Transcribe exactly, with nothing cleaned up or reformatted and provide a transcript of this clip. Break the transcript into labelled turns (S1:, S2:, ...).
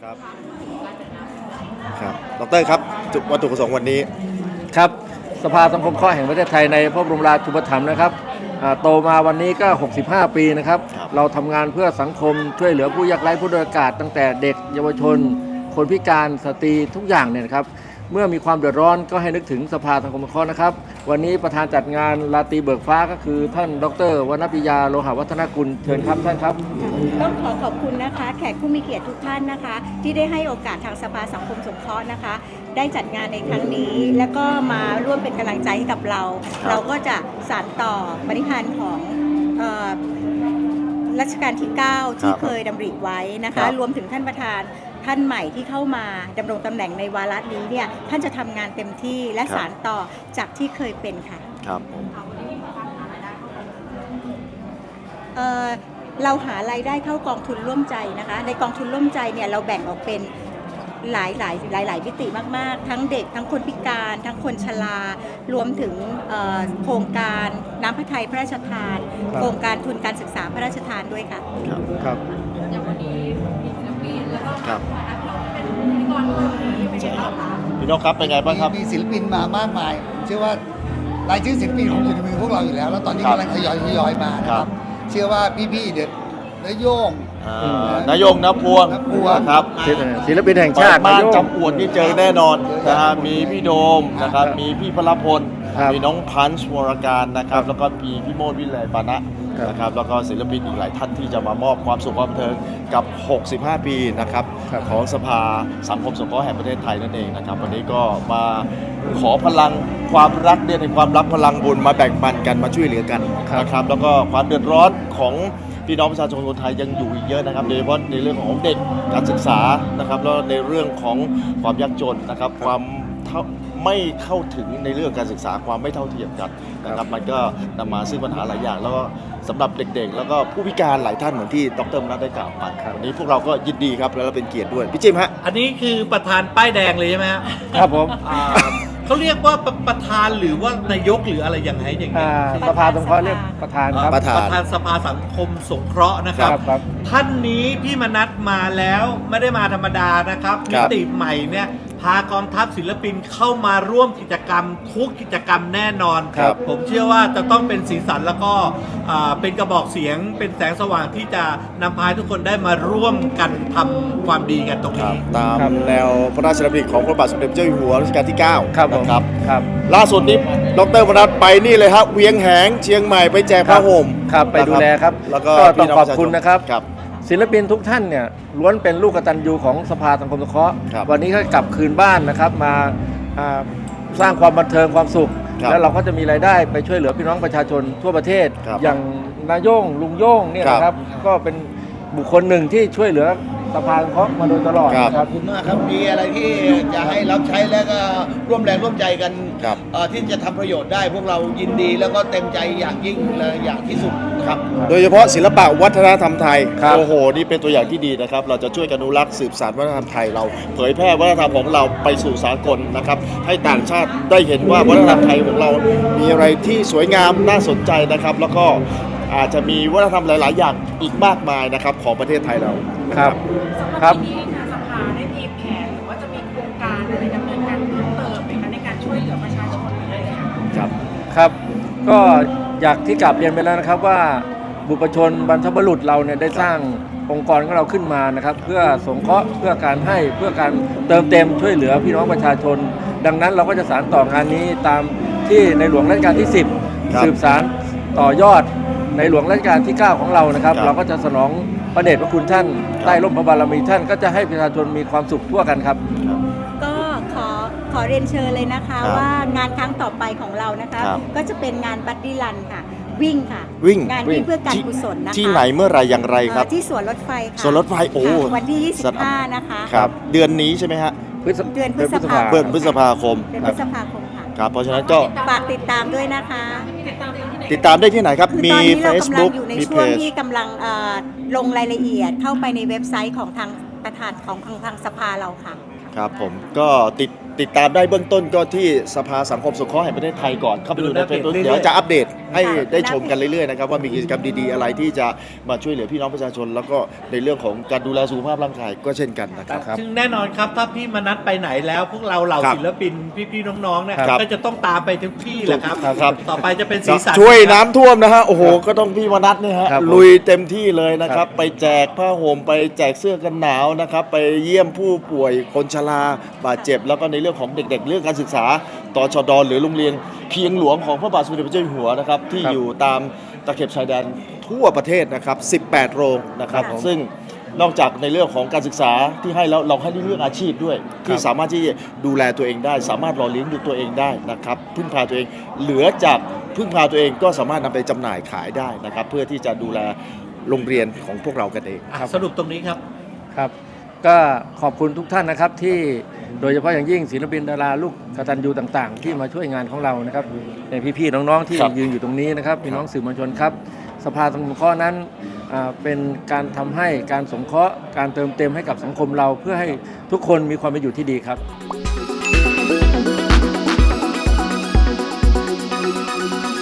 S1: ครับครับดรครับจุดวัตถุประสงค์วันนี้
S2: ครับสภาสังคมเคราะห์แห่งประเทศไทยในพระบรมราชูปถัมภ์นะครับโตมาวันนี้ก็หกสิบห้าปีนะครับเราทำงานเพื่อสังคมช่วยเหลือผู้ยากไร้ผู้ด้อยโอกาสตั้งแต่เด็กเยาวชนคนพิการสตรีทุกอย่างเนี่ยนะครับเมื่อมีความเดือดร้อนก็ให้นึกถึงสภาสังคมเคราะห์นะครับวันนี้ประธานจัดงานราตรีเบิกฟ้าก็คือท่านดร.วรรณปิยาโลหะวัฒนกุลเชิญครับท่านครับ
S3: ต้องขอขอบคุณนะคะแขกผู้มีเกียรติทุกท่านนะคะที่ได้ให้โอกาสทางสภาสังคมสงเคราะห์นะคะได้จัดงานในครั้งนี้แล้วก็มาร่วมเป็นกำลังใจให้กับเราเราก็จะสานต่อปณิธานของรัชกาลที่เก้าที่เคยดำริไว้นะคะรวมถึงท่านประธานท่านใหม่ที่เข้ามาดำรงตำแหน่งในวาระนี้เนี่ยท่านจะทำงานเต็มที่และสานต่อจากที่เคยเป็นค่ะ
S1: ครับ
S3: เอ่อเราหารายได้เข้ากองทุนร่วมใจนะคะในกองทุนร่วมใจเนี่ยเราแบ่งออกเป็นหลายหลายหลายหลายมิติมากๆทั้งเด็กทั้งคนพิการทั้งคนชรารวมถึงโครงการน้ำพระทัยพระราชทานโครงการทุนการศึกษาพระราชทานด้วยค่ะ
S1: ครับครับอย่างวันนี้มีศิลปินแล้วก็ครับพี่นกครับเป็นไงบ้างครับ
S4: มีศิลปินมามากมายผมเชื่อว่ารายชื่อศิลปินคงอยู่ในมือพวกเราอยู่แล้วแล้วตอนนี้กำลังทยอยทยอยมานะครับเชื่อว่าพี่ๆเด็ดนายโยง
S1: นายโยงนพวงครับ
S2: ศิลปินแห่งชาติ
S1: บ้านจำอวดนี่เจอแน่นอนนะฮะมีพี่โดมนะครับมีพี่พลพลมีน้องพันช์วรการนะครับแล้วก็มีพี่โมดวิไลปานะนะครับแล้วก็ศิลปินอีกหลายท่านที่จะมามอบความสุขความบันเทิงกับหกสิบห้าปีนะครับของสภาสังคมสงเคราะห์แห่งประเทศไทยนั่นเองนะครับวันนี้ก็มาขอพลังความรักเดือนในความรักพลังบุญมาแบ่งปันกันมาช่วยเหลือกันนะครับแล้วก็ความเดือดร้อนของพี่น้องประชาชนคนไทยยังอยู่อีกเยอะนะครับโดยเฉพาะในเรื่องของเด็กการศึกษานะครับแล้วในเรื่องของความยากจนนะครับความไม่เข้าถึงในเรื่องการศึกษาความไม่เท่าเทียมกันนะครับมันก็นำมาซึ่งปัญหาหลายอย่างแล้วก็สำหรับเด็กๆแล้วก็ผู้พิการหลายท่านเหมือนที่ดร.มนัสได้กล่าวไปวันนี้พวกเราก็ยินดีครับแล้วเป็นเกียรติด้วยพี่จิมฮะ
S5: อันนี้คือประธานป้ายแดงเลยใช่ไหมครับ
S2: ครับผม
S5: เขาเรียกว่าประธานหรือว่านายกหรืออะไรอย่างไรอย่างนี้
S2: สภาสงเคราะห์เรียกประธานครับ
S5: ประธานสภาสังคมสงเคราะห์นะครับท่านนี้พี่มนัสมาแล้วไม่ได้มาธรรมดานะครับมิติใหม่เนี่ยพากองทัพศิลปินเข้ามาร่วมกิจกรรมทุกกิจกรรมแน่นอนผมเชื่อว่าจะต้องเป็นสีสันแล้วก็เป็นกระบอกเสียงเป็นแสงสว่างที่จะนำพาทุกคนได้มาร่วมกันทำความดีกันตรงนี้
S1: ตามแนวพระราชดำริของพระบาทสมเด็จเจ้าอยู่หัวรัชกาลที่เก้า
S2: ครับ
S1: นะครับ
S2: ครับ
S1: ล่าสุดนี้ดร.มนัสไปนี่เลยครับเวียงแหงเชียงใหม่ไปแจกผ้าห่ม
S2: ครับไปดูแลครับ
S1: แล้วก็
S2: ต้องขอบคุณนะครับศิลปินทุกท่านเนี่ยล้วนเป็นลูกกตัญญูของสภาสังคมสงเคราะห์วันนี้ก็กลับคืนบ้านนะครับมาสร้างความบันเทิงความสุขแล้วเราก็จะมีรายได้ไปช่วยเหลือพี่น้องประชาชนทั่วประเทศอย่างนายโย่งลุงโย่งเนี่ยนะครับก็เป็นบุคคลหนึ่งที่ช่วยเหลือสภาสังคมมาโดยตลอด
S4: ขอบคุณมากครับมีอะไรที่จะให้รับใช้แล้วก็ร่วมแรงร่วมใจกันที่จะทำประโยชน์ได้พวกเรายินดีแล้วก็เต็มใจอย่างยิ่งและอย่างที่สุดครับ
S1: โดยเฉพาะศิลปะวัฒนธรรมไทยโอ้โหนี่เป็นตัวอย่างที่ดีนะครับเราจะช่วยกันอนุรักษ์สืบสานวัฒนธรรมไทยเราเผยแพร่วัฒนธรรมของเราไปสู่สากลนะครับให้ต่างชาติได้เห็นว่าวัฒนธรรมไทยของเรามีอะไรที่สวยงามน่าสนใจนะครับแล้วก็อาจจะมีวัฒนธรรมหลายๆอย่างอีกมากมายนะครับของประเทศไทยเรา
S2: ครับครับ
S6: ที่ทางสภาได้มีแผนหรือว่าจะมีโครงการอะไรดำเนินการเพิ่มเติมไหมคะในการช่วยเหลือประชาชนอะไรอย่างเงี้ย
S2: ครับครับก็อยากที่กลับเรียนไปแล้วนะครับว่าบุพชนบรรพบุรุษเราเนี่ยได้สร้างองค์กรของเราขึ้นมานะครับเพื่อสงเคราะห์เพื่อการให้เพื่อการเติมเต็มช่วยเหลือพี่น้องประชาชนดังนั้นเราก็จะสานต่องานนี้ตามที่ในหลวงรัชกาลที่สิบสืบสานต่อยอดในหลวงรัชกาลที่เก้าของเรานะครับเราก็จะสนองพระเดชพระคุณท่านใต้ร่มพระบารมีท่านก็จะให้ประชาชนมีความสุขทั่วกันครับ
S3: ก็ขอขอเรียนเชิญเลยนะคะว่างานครั้งต่อไปของเรานะคะก็จะเป็นงานบัดดี้รันค่ะวิ่งค่ะ
S1: วิ่ง
S3: งานวิ่งเพื่อการกุศลนะคะ
S1: ที่ไหนเมื่อไรอย่างไรครับ
S3: ที่สวนรถไฟค่ะ
S1: สวนรถไฟโอ้
S3: วันที่ยี่สิบห้านะคะ
S1: ครับเดือนนี้ใช่ไหมฮะ
S3: เดือนพฤษภาคม
S1: เดือนพฤษภาคม
S3: เดือนพฤษภาคมค่ะ
S1: ครับเพราะฉะนั้นก็
S3: ฝากติดตามด้วยนะคะ
S1: ติดตามได้ที่ไหนครับมี
S3: Facebook มีเพจอยู่ในช่วงที่กำลังลงรายละเอียดเข้าไปในเว็บไซต์ของทางประธานของทางสภาเราค่ะ
S1: ครับผมก็ติดติดตามได้เบื้องต้นก็ที่สภาสังคมสงเคราะห์แห่งประเทศไทยก่อนเข้าไปดูในเฟซบุ๊กเดี๋ยวจะอัปเดตให้ได้ชมกันเรื่อยๆนะครับว่ามีกิจกรรมดีๆอะไรที่จะมาช่วยเหลือพี่น้องประชาชน แล้วก็ในเรื่องของการดูแลสุขภาพร่างกายก็เช่นกันนะครับ
S5: ซึ่งแน่นอนครับถ้าพี่มนัสไปไหนแล้ว พวกเราเหล่า
S1: ครับ
S5: ศิลปินพี่ๆน้องๆเนี่ย
S1: ครับ
S5: ก็จะต้องตามไปทุกที่แหละครับ
S1: ครับ
S5: ต่อไปจะเป็นสีสัน
S1: ช่วยน้ำท่วมนะฮะโอ้โหก็ต้องพี่มนัสเนี่ยฮะ
S2: ครับผม
S1: ลุยเต็มที่เลยนะค
S2: ครั
S1: รับบ ไปแจกผ้าห่มไปแจกเสื้อกันหนาวนะครับไปเยี่ยมผู้ป่วยคนชราบาดเจ็บ แล้วก็ในเรื่องของเด็กๆ เรื่องการศึกษาตชดหรือโรงเรียนเคียงหลวงของพระบาทสมเด็จพระเจ้าอยู่หัวนะครับที่
S2: ครับ
S1: อยู่ตามตะเข็บชายแดนทั่วประเทศนะครับสิบแปดโรงนะครับ
S2: ครับผม
S1: ซึ่งนอกจากในเรื่องของการศึกษาที่ให้แล้วเราให้เรื่องอาชีพด้วย ที่สามารถที่จะดูแลตัวเองได้ สามารถหล่อเลี้ยงดูตัวเองได้นะครับพึ่งพาตัวเองเหลือจากพึ่งพาตัวเองก็สามารถนำไปจำหน่ายขายได้นะครับเพื่อที่จะดูแลโรงเรียนของพวกเรากันเอง
S5: อ่ะสรุปตรงนี้ครับ
S2: ครับก็ขอบคุณทุกท่านนะครับที่โดยเฉพาะอย่างยิ่งศิลปินดาราลูกกตัญญูต่างๆ ที่มาช่วยงานของเรานะครับในพี่ๆน้องๆที่
S1: ครับ
S2: ยืนอยู่ตรงนี้นะครับพี่น้องสื่อมวลชนครับสภาสงเคราะห์นั้นอ่าเป็นการทำให้การสงเคราะห์การเติมเต็มให้กับสังคมเราเพื่อให้ทุกคนมีความเป็นอยู่ที่ดีครับ